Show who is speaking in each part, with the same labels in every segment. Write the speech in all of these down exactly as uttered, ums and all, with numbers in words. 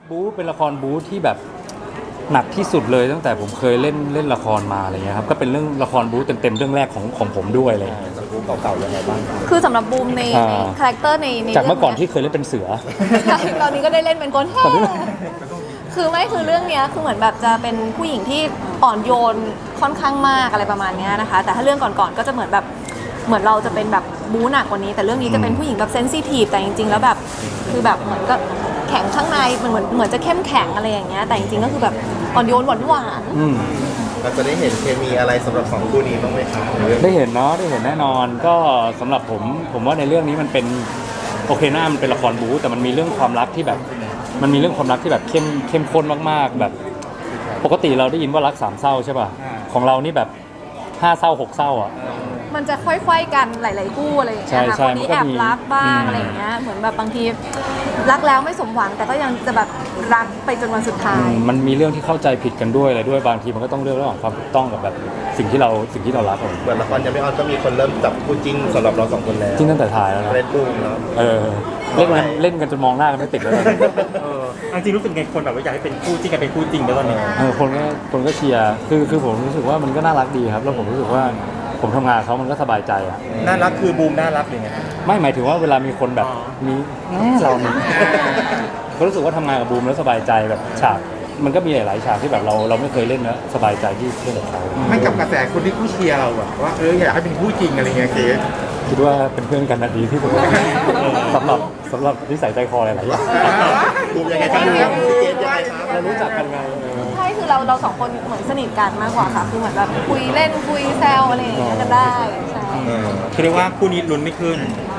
Speaker 1: บู๊เป็นละครบู๊ที่แบบหนักที่สุดเลยตั้งแต่ผมเคยเล่นเล่นละครมาอะไรเงี้ยครับก็เป็นเรื่องละครบู๊เต็มๆเรื่องแรกของของผมด้วยอะไรเลยบู๊เก่าๆยังไงบ้าง
Speaker 2: คือสำหรับบูมในในคาแรคเตอร์ในใน
Speaker 1: จากเมื่อก่อนที่เคยเล่นเป็นเสือ
Speaker 2: ตอนนี้ก็ได้เล่นเป็นคนแฮ่คือไม่คือเรื่องเนี้ยคือเหมือนแบบจะเป็นผู้หญิงที่อ่อนโยนค่อนข้างมากอะไรประมาณเนี้ยนะคะแต่ถ้าเรื่องก่อนๆก็จะเหมือนแบบเหมือนเราจะเป็นแบบบู๊หนักกว่านี้แต่เรื่องนี้จะเป็นผู้หญิงแบบเซนซิทีฟแต่จริงๆแล้วแบบคือแบบเหมือนก็แข็งข้างในมันเหมือนเหมือนจะเข้มแข็งอะไรอย่างเงี้ยแต่จริงๆก็คือแบบอ่อนโยนหวานหวาน
Speaker 3: เราจะได้เห็นเคมีอะไรสำหรับสองคู่นี้บ้างไหมครับ
Speaker 1: ได้เห็นเนาะได้เห็นแน่นอนก็สำหรับผมผมว่าในเรื่องนี้มันเป็นโอเคหน้ามันเป็นละครบู๊แต่มันมีเรื่องความรักที่แบบมันมีเรื่องความรักที่แบบเข้มเข้มข้นมากๆแบบปกติเราได้ยินว่ารักสามเศร้าใช่ป่ะของเรานี่แบบห้าเศร้าหกเศร้าอ่ะ
Speaker 2: มันจะค่อยๆกันหลายๆคู่อะไรอย่างเงี้ยค่ะคนนี้แอบรักบ้างอะไรอย่างเงี้ยเหมือนแบบบางทีรักแล้วไม่สมหวังแต่ก็ยังจะแบบรักไปจนวันสุดท้าย
Speaker 1: มันมีเรื่องที่เข้าใจผิดกันด้วยอะไรด้วยบางทีมันก็ต้องเลือกระหว่างความถูกต้องกับแบบสิ่งที่เราสิ่งที่เรารัก
Speaker 3: เหมือนละครยังไม่ออนก็มีคนเริ่มจับคู่จริงสำหรับเราสองคนแล้ว
Speaker 1: จริงตั้งแต่ถ่ายแล้วนะ
Speaker 3: เล่นบูมแล้ว
Speaker 1: เออเล่นกันเล่นกันจนมองหน้ากันไม่ติดแล้ว
Speaker 4: เออจริงรู้สึกไงคนแบบว่าอยากให้เป็นคู่จริงกันเป็นคู่จริงแล้วตอนนี้
Speaker 1: เออคนก็คนก็เชียร์คือคือผมรู้สึกว่ามันก็น่ารักดีครับแล้วผมรู้สึกว่าผมทำงานเขามันก็สบายใจอ่ะ
Speaker 4: น่ารักคือบูมน่ารักหรือไง
Speaker 1: ไม่หมายถึงว่าเวลามีคนแบบมีแม่เราเนี่ยก็รู้สึกว่าทำงานกับบูมแล้วสบายใจแบบฉากมันก็มีหลายๆฉากที่แบบเราเราไม่เคยเล่นนะสบายใจที่เล่นกับเขา
Speaker 5: ไม่กับกระแสคนที่คู่เชียร์เราแบบว่าเอออยากให้เป็นคู่จริงอะไรเงี้ยเคส
Speaker 1: คิดว่าเป็นเพื่อนกันนะดีที่สุดสำหรับสำหรับนิสัยใจคอหลายๆอย่าง
Speaker 3: บูมยังไงครับพี่เกดยังไงครับ
Speaker 1: เรารู้จักกันไง
Speaker 2: ใช่คือเราเราสองคนเหมือนสนิทกันมากกว่าค่ะคือเหมือนแบบคุยเล่นคุยแซวอะไรอย่างเงี้ยกันได้ใช่
Speaker 4: คือเรียกว่าคู่นี้ลุ้นไม่ขึ้น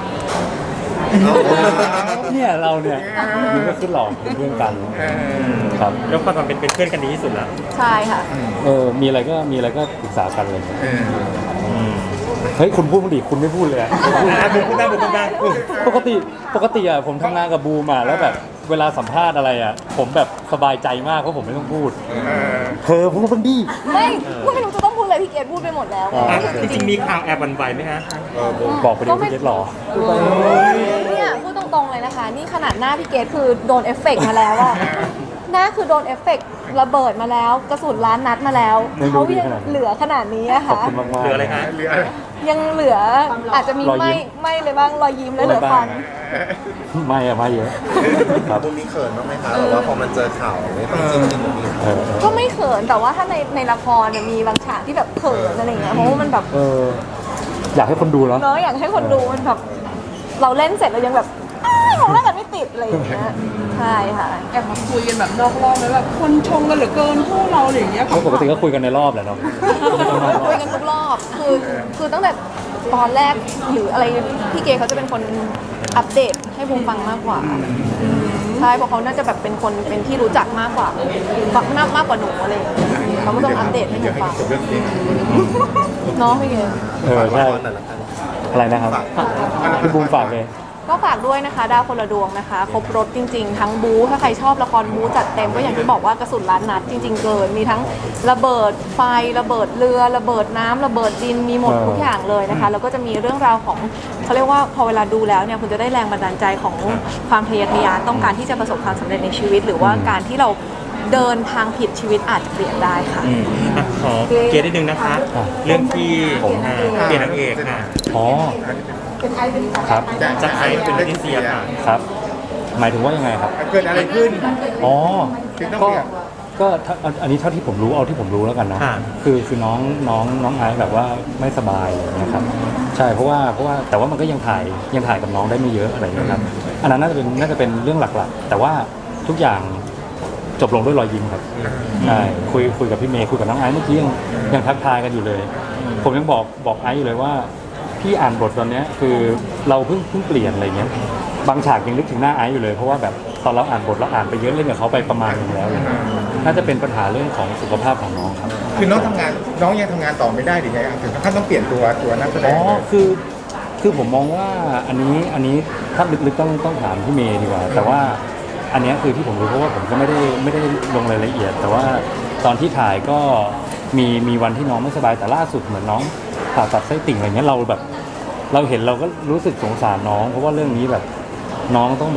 Speaker 1: เนี่ยเราเนี่ยมันก็ขึ้นหลอกเป็นเพื่อนกันครับ
Speaker 4: แล้วความเป็นเป็นเพื่อนกันดีที่สุดแล้ว
Speaker 2: ใช่ค่ะ
Speaker 1: เออมีอะไรก็มีอะไรก็ปรึกษากันเลยเฮ้ยคุณพูดดิคุณไม่พูดเลยอะ
Speaker 4: บูมพูดได้บูมพูดได้
Speaker 1: ปกติปกติอะผมทำงานกับบูมอะแล้วแบบเวลาสัมภาษณ์อะไรอะผมแบบสบายใจมากเพราะผมไม่ต้องพูดเธอพูดบ้างดิ
Speaker 2: ไม่ไม่รู้จะต้องพูดอะไรพี่เกดพูดไปหมดแล้ว
Speaker 4: จริงๆมีข่าวแอบวันไหวไหมฮะ
Speaker 1: บอกไปดิพี่เกดหรอ
Speaker 2: เนี่ยพูดตรงๆเลยนะคะนี่ขนาดหน้าพี่เกดคือโดนเอฟเฟกต์มาแล้วอะหน้าคือโดนเอฟเฟกต์ระเบิดมาแล้วกระสุนล้านนัดมาแล้วเขายังเหลือขนาดนี้อะค่ะ
Speaker 1: เหลือ
Speaker 4: อะไรคะ
Speaker 2: ยังเหลืออาจจะมีไม่ไม่เลยบ้างรอยยิ้มและเหลือฟัน
Speaker 1: ไม่อะไม่เยอะ
Speaker 3: ครับบูมมีเขินบ้างไหมคะหรือว่าพอมันเจอข่าวไม่ต้องจริงจริงมี
Speaker 2: ก็ไม่เขินแต่ว่าถ้าในในละครเนี่ยมีบางฉากที่แบบเขินอะไรเงี้ยเพราะว่ามันแบบ
Speaker 1: อยากให้คนดูเนาะ
Speaker 2: เนาะอยากให้คนดูมันแบบเราเล่นเสร็จเรายังแบบมองหน้ากันไม่ติดอะไรอย่างเงี้ยใช่ค่ะ
Speaker 6: แอบมาคุยกันแบบนอกรอบเลยแบบคนชมกันเหลือเกินคู่เราอะไรอย่างเงี้ย
Speaker 1: ปกติก็คุยกันในรอบแหละเนาะ
Speaker 2: คุยกันทุกรอบคือคือตั้งแต่ตอนแรกหรืออะไรพี่เกเขาจะเป็นคนอัปเดตให้บูมฟังมากกว่าใช่เพราะเขาน่าจะแบบเป็นคนเป็นที่รู้จักมากกว่าฟังมากมากกว่าหนูอะไรอย่างเงี้ยเขาก็ต้องอัปเดตให้หนูฟังเนาะพี่เก
Speaker 1: เออใช่อะไรนะครับพี่บูมฝากเลย
Speaker 2: ก็ฝากด้วยนะคะดาวคนละดวงนะคะครบรถจริงๆทั้งบู๊ถ้าใครชอบละครบู๊จัดเต็มก็อย่างที่บอกว่ากระสุนล้านนัดจริงๆเกินมีทั้งระเบิดไฟระเบิดเรือระเบิดน้ำระเบิดดินมีหมดทุกอย่างเลยนะคะแล้วก็จะมีเรื่องราวของเขาเรียกว่าพอเวลาดูแล้วเนี่ยคุณจะได้แรงบันดาลใจของความทะเยอทะยานต้องการที่จะประสบความสำเร็จในชีวิตหรือว่าการที่เราเดินทางผิดชีวิตอาจจะเปลี่ยนได้ค่ะ
Speaker 4: ขอเกียรตินิดนึงนะคะเรื่องที่ผมเปลี่ยนนางเอกค่ะ
Speaker 1: อ๋อครับ
Speaker 4: จะใครเป็นเลติเซียค่ะ
Speaker 1: ครับหมายถึงว่ายังไงครับ
Speaker 5: เกิดอะไรขึ้น
Speaker 1: อ๋อก็ก็อันนี้เท่าที่ผมรู้เอาที่ผมรู้แล้วกันนะคือคือน้องน้องน้องไอซ์แบบว่าไม่สบายอะไรอย่างเงี้ยครับใช่เพราะว่าเพราะว่าแต่ว่ามันก็ยังถ่ายยังถ่ายกับน้องได้ไม่เยอะอะไรอย่างเงี้ยครับอันนั้นน่าจะเป็นน่าจะเป็นเรื่องหลักๆแต่ว่าทุกอย่างจบลงด้วยรอยยิ้มครับใช่คุยคุยกับพี่เมย์คุยกับน้องไอซ์เมื่อกี้ยังยังทักทายกันอยู่เลยผมยังบอกบอกไอซ์อยู่เลยว่าพี่อ่านบทตอนนี้คือเราเพิ่งเพิ่งเปลี่ยนอะไรเงี้ยบางฉากยังนึกถึงหน้าไอซ์อยู่เลยเพราะว่าแบบตอนเราอ่านบทเราอ่านไปเยอะเล่นกับเขาไปประมาณนึงแล้วเลยน่าจะเป็นปัญหาเรื่องของสุขภาพของน้องครับ
Speaker 5: คือน้องทำงานน้องยังทำงานต่อไม่ได้หรือไงถึงขั้นต้องเปลี่ยนตัวตัวนักแสดง
Speaker 1: อ๋อคือคือผมมองว่าอันนี้อันนี้ถ้าลึกๆต้องต้องถามพี่เมย์ดีกว่าแต่ว่าอันนี้คือที่ผมรู้เพราะว่าผมก็ไม่ได้ไม่ได้ลงรายละเอียดแต่ว่าตอนที่ถ่ายก็มีมีวันที่น้องไม่สบายแต่ล่าสุดเหมือนน้องผ่าตัดไส้ติ่งอะไรเงี้ยเราแบบเราเห็นเราก็รู้สึกสงสารน้องเพราะว่าเรื่องนี้แบบน้องต้องแบบ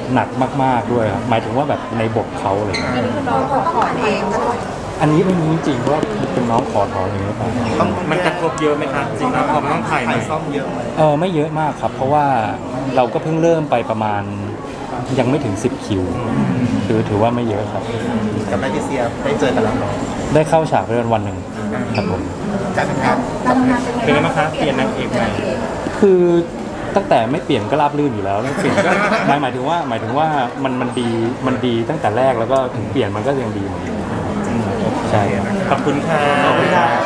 Speaker 1: หนักมากๆด้วยครับหมายถึงว่าแบบในบทเขาอะไรอย่างเลย
Speaker 6: อันนี้คือน้องขอถอนเองใช่ไหม
Speaker 1: อันนี้ไม่รู้จริงๆว่าเป็นน้องขอถอนอย่างนี้หรือเปล่า
Speaker 3: ต้อง
Speaker 4: มันกระทบเยอะไหมคะจริงแล้วพอมันต้องถ่ายให
Speaker 3: ถ่า
Speaker 4: ม่
Speaker 3: ยซ่อมเยอะไหม
Speaker 1: เออไม่เยอะมากครับ เพราะว่าเราก็เพิ่งเริ่มไปประมาณยังไม่ถึงสิบคิวถือถือว่าไม่เยอะครับ
Speaker 3: กับแมกนีเซียได้เจอกันแล้วเนาะ
Speaker 1: ได้เข้าฉากเรื่องวันหนึ่งครับผม
Speaker 5: การทำงาน
Speaker 6: การทำงานเป็น
Speaker 4: เป็น
Speaker 6: ไง
Speaker 4: ไงบ้างคะเปลี่ยนนางเอกใหม่
Speaker 1: คือตั้งแต่ไม่เปลี่ยนก็ราบรื่นอยู่แล้วเปลี่ยนก็หมายหมายถึงว่าหมายถึงว่ามันมันดีมันดีตั้งแต่แรกแล้วก็ถึงเปลี่ยนมันก็ยังดีหมดใช่
Speaker 4: ขอบคุณค่ะ
Speaker 3: ขอบคุณค่ะ